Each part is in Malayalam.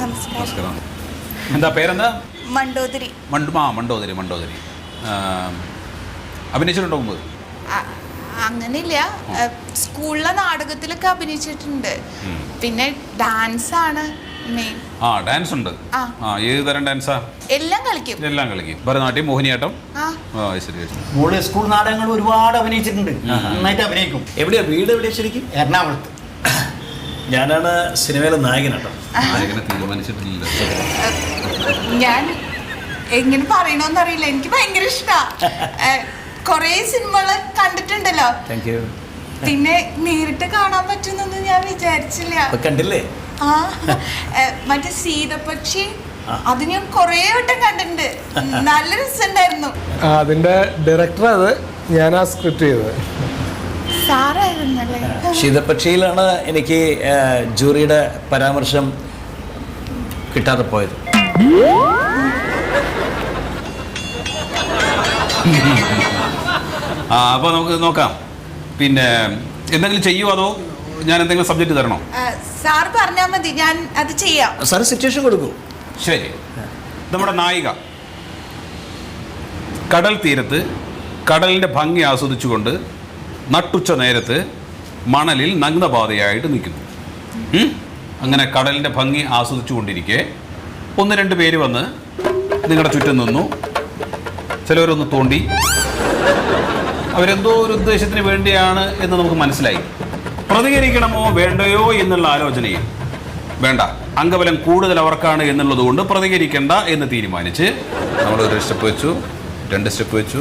നമസ്കാരം. എന്താ പേരെന്താ? മണ്ടോദരി. മണ്ടോദരി. അഭിനയിച്ചിട്ടുണ്ടോ മുമ്പ്? അങ്ങനെയില്ല, സ്കൂളിലെ നാടകത്തിലൊക്കെ അഭിനയിച്ചിട്ടുണ്ട്. പിന്നെ ഡാൻസ് ആണ് മെയിൻ. ഡാൻസ് ഉണ്ട്. ഏത് തരം ഡാൻസാ? എല്ലാം കളിക്കും. ഭരതനാട്യം, മോഹിനിയാട്ടം. മോള് സ്കൂൾ നാടകങ്ങൾ ഒരുപാട് അഭിനയിച്ചിട്ടുണ്ട്, നന്നായിട്ട് അഭിനയിക്കും. എവിടെയാ വീട്? എവിടെയാ ശരിക്കും? എറണാകുളത്ത്. ഞാനാണ് സിനിമയിലെ നായകനാട്ടോ. നായകനെ തീരുമാനിച്ചിട്ടില്ല. ഞാൻ എങ്ങനെ പറയണോന്നറിയില്ല, എനിക്ക് ഭയങ്കര ഇഷ്ടമാണ്. കൊറേ സിനിമകള് കണ്ടിട്ടുണ്ടല്ലോ. പിന്നെ നേരിട്ട് കാണാൻ പറ്റുന്നൊന്നും ഞാൻ വിചാരിച്ചില്ല. കണ്ടില്ലേ? മറ്റേ സീതപക്ഷി, അത് ഞാൻ കൊറേ വട്ടം കണ്ടിട്ടുണ്ട്. നല്ല രസമുണ്ടായിരുന്നു. അതിന്റെ ഡയറക്ടർ, അത് ഞാനാ സ്ക്രിപ്റ്റ് ചെയ്തത്. സാറായിരുന്നല്ലേ? ശീതപക്ഷിയിലാണ് എനിക്ക് ജൂറിയുടെ പരാമർശം കിട്ടാതെ പോയത്. അപ്പോൾ നമുക്ക് നോക്കാം. പിന്നെ എന്തെങ്കിലും ചെയ്യുമോ അതോ ഞാൻ എന്തെങ്കിലും സബ്ജക്റ്റ് തരണോ? സാർ പറഞ്ഞാൽ മതി, ഞാൻ അത് ചെയ്യാം. സാർ സിറ്റുവേഷൻ കൊടുക്കൂ. ശരി. നമ്മുടെ നായിക കടൽ തീരത്ത് കടലിൻ്റെ ഭംഗി ആസ്വദിച്ചുകൊണ്ട് നട്ടുച്ച നേരത്ത് മണലിൽ നഗ്നപാതയായിട്ട് നിൽക്കുന്നു. അങ്ങനെ കടലിൻ്റെ ഭംഗി ആസ്വദിച്ചു കൊണ്ടിരിക്കെ 1-2 പേര് വന്ന് നിങ്ങളുടെ ചുറ്റും നിന്നു. ചിലവരൊന്ന് തോണ്ടി. അവരെന്തോ ഒരു ഉദ്ദേശത്തിന് വേണ്ടിയാണ് എന്ന് നമുക്ക് മനസ്സിലായി. പ്രതികരിക്കണമോ വേണ്ടയോ എന്നുള്ള ആലോചനയിൽ വേണ്ട, അംഗബലം കൂടുതൽ അവർക്കാണ് എന്നുള്ളത് കൊണ്ട് പ്രതികരിക്കണ്ട എന്ന് തീരുമാനിച്ച് നമ്മൾ 1 സ്റ്റെപ്പ് വെച്ചു, 2 സ്റ്റെപ്പ് വെച്ചു.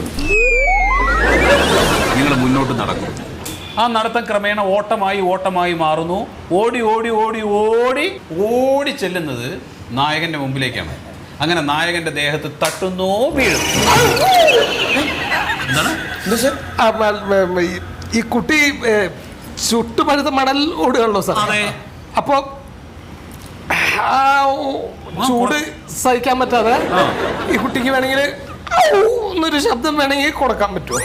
നിങ്ങൾ മുന്നോട്ട് നടക്കും. ആ നടത്തം ക്രമേണ ഓട്ടമായി മാറുന്നു. ഓടി ചെല്ലുന്നത് നായകന്റെ മുമ്പിലേക്കാണ്. അങ്ങനെ നായകന്റെ ദേഹത്ത് തട്ടുന്നു, വീഴുന്നു. ഈ കുട്ടി ചുട്ടുപഴുത്ത മണൽ ഓടുകയാണല്ലോ സാർ. അപ്പൊ ചൂട് സഹിക്കാൻ പറ്റാതെ ഈ കുട്ടിക്ക് വേണമെങ്കിൽ എന്നൊരു ശബ്ദം വേണമെങ്കിൽ കൊടുക്കാൻ പറ്റുമോ?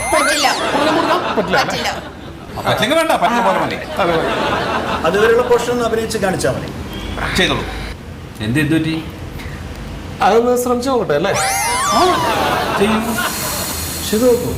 അതുവരെയുള്ള പോർഷൻ ഒന്ന് അഭിനയിച്ച് കാണിച്ചാൽ മതി. ചെയ്തോളൂ. എന്ത് പറ്റി? അതൊന്ന് ശ്രമിച്ചു നോക്കട്ടെ അല്ലേ? ശരി, നോക്കൂ.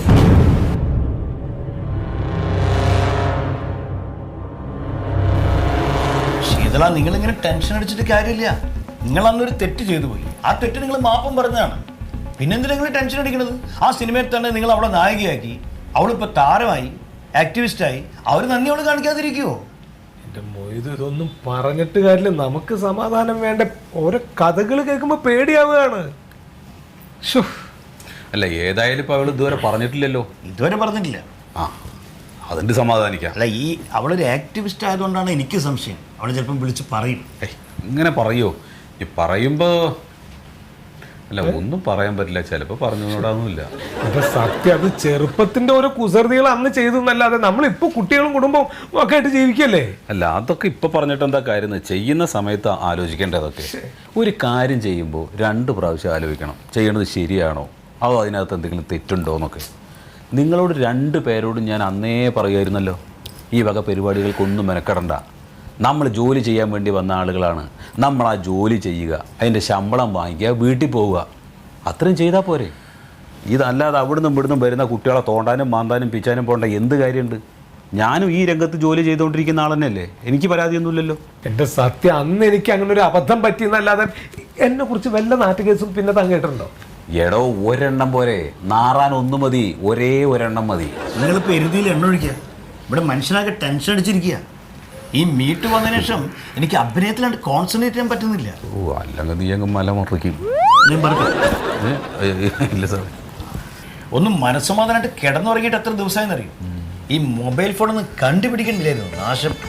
ശീതള, നിങ്ങളിങ്ങനെ ടെൻഷൻ അടിച്ചിട്ട് കാര്യമില്ല. നിങ്ങൾ അന്നൊരു തെറ്റ് ചെയ്തു പോയി. ആ തെറ്റ് നിങ്ങൾ മാപ്പം പറഞ്ഞതാണ്. പിന്നെന്തിനാ നിങ്ങൾ ടെൻഷൻ അടിക്കണത്? ആ സിനിമയിൽ തന്നെ നിങ്ങൾ അവളെ നായികയാക്കി, അവളിപ്പോൾ താരമായി, ആക്ടിവിസ്റ്റായി. അവർ നന്ദി അവൾ കാണിക്കാതിരിക്കുമോ? എൻ്റെ മൊയ്ത്, ഇതൊന്നും പറഞ്ഞിട്ട് കാര്യമില്ല. നമുക്ക് സമാധാനം വേണ്ട. ഓരോ കഥകൾ കേൾക്കുമ്പോൾ പേടിയാവുകയാണ്. അല്ല, ഏതായാലും ഇപ്പൊ അവള് ഇതുവരെ പറഞ്ഞിട്ടില്ലല്ലോ. ഇതുവരെ പറഞ്ഞിട്ടില്ല. അതിന്റെ സമാധാനിക്കാം. അല്ല, ഈ അവളൊരു ആക്ടിവിസ്റ്റ് ആയതുകൊണ്ടാണ് എനിക്ക് സംശയം. അവൾ ചിലപ്പം വിളിച്ച് പറയും. ഇങ്ങനെ പറയോ? ഈ പറയുമ്പോ അല്ല, ഒന്നും പറയാൻ പറ്റില്ല. ചിലപ്പോ പറഞ്ഞുകൂടാന്നില്ല. അപ്പൊ സത്യം, അത് ചെറുപ്പത്തിന്റെ ഓരോ കുസൃതികൾ അന്ന് ചെയ്തു എന്നല്ലാതെ നമ്മളിപ്പോ കുട്ടികളും കുടുംബവും ഒക്കെ ആയിട്ട് ജീവിക്കല്ലേ. അല്ല, അതൊക്കെ ഇപ്പൊ പറഞ്ഞിട്ട് എന്താ കാര്യം? ചെയ്യുന്ന സമയത്ത് ആലോചിക്കേണ്ടതൊക്കെ. ഒരു കാര്യം ചെയ്യുമ്പോൾ 2 പ്രാവശ്യം ആലോചിക്കണം. ചെയ്യണത് ശരിയാണോ, അതോ അതിനകത്ത് എന്തെങ്കിലും തെറ്റുണ്ടോ എന്നൊക്കെ. നിങ്ങളോട് 2 പേരോടും ഞാൻ അന്നേ പറയുമായിരുന്നല്ലോ, ഈ വക പരിപാടികൾക്കൊന്നും മെനക്കെടണ്ട. നമ്മൾ ജോലി ചെയ്യാൻ വേണ്ടി വന്ന ആളുകളാണ്. നമ്മൾ ആ ജോലി ചെയ്യുക, അതിൻ്റെ ശമ്പളം വാങ്ങിക്കുക, വീട്ടിൽ പോവുക, അത്രയും ചെയ്താൽ പോരെ. ഇതല്ലാതെ അവിടുന്നും ഇവിടുന്നും വരുന്ന കുട്ടികളെ തോണ്ടാനും മാന്താനും പിച്ചാനും പോകേണ്ട എന്ത് കാര്യമുണ്ട്? ഞാനും ഈ രംഗത്ത് ജോലി ചെയ്തുകൊണ്ടിരിക്കുന്ന ആൾ തന്നെയല്ലേ. എനിക്ക് പരാതിയൊന്നുമില്ലല്ലോ. എൻ്റെ സത്യം, അന്ന് എനിക്ക് അങ്ങനെ ഒരു അബദ്ധം പറ്റിയെന്നല്ലാതെ എന്നെ കുറിച്ച് വല്ല നാട്ടുകേസും പിന്നെ തങ്ങിയിട്ടുണ്ടോ? എടോ, ഒരെണ്ണം പോരെ, നാറാൻ 1 മതി. ഒരേ ഒരെണ്ണം മതി. നിങ്ങളിപ്പോൾ എരുതിയിൽ എണ്ണ ഒഴിക്കുക. ഇവിടെ മനുഷ്യനാകെ ടെൻഷൻ അടിച്ചിരിക്കുക. ഈ മീറ്റ് വന്നതിന് ശേഷം എനിക്ക് അഭിനയത്തിലാണ്ട് കോൺസെൻട്രേറ്റ് ചെയ്യാൻ പറ്റുന്നില്ല. അല്ലെങ്കിൽ നീ അങ്ങ് മല മുറിക്കും. ഇല്ല സാർ, ഒന്നും മനസ്സമാധാനമായിട്ട് കിടന്നുറങ്ങിയിട്ട് എത്ര ദിവസമായെന്നറിയും. ഈ മൊബൈൽ ഫോണൊന്നും കണ്ടുപിടിക്കണ്ടില്ലായിരുന്നു. നാശം.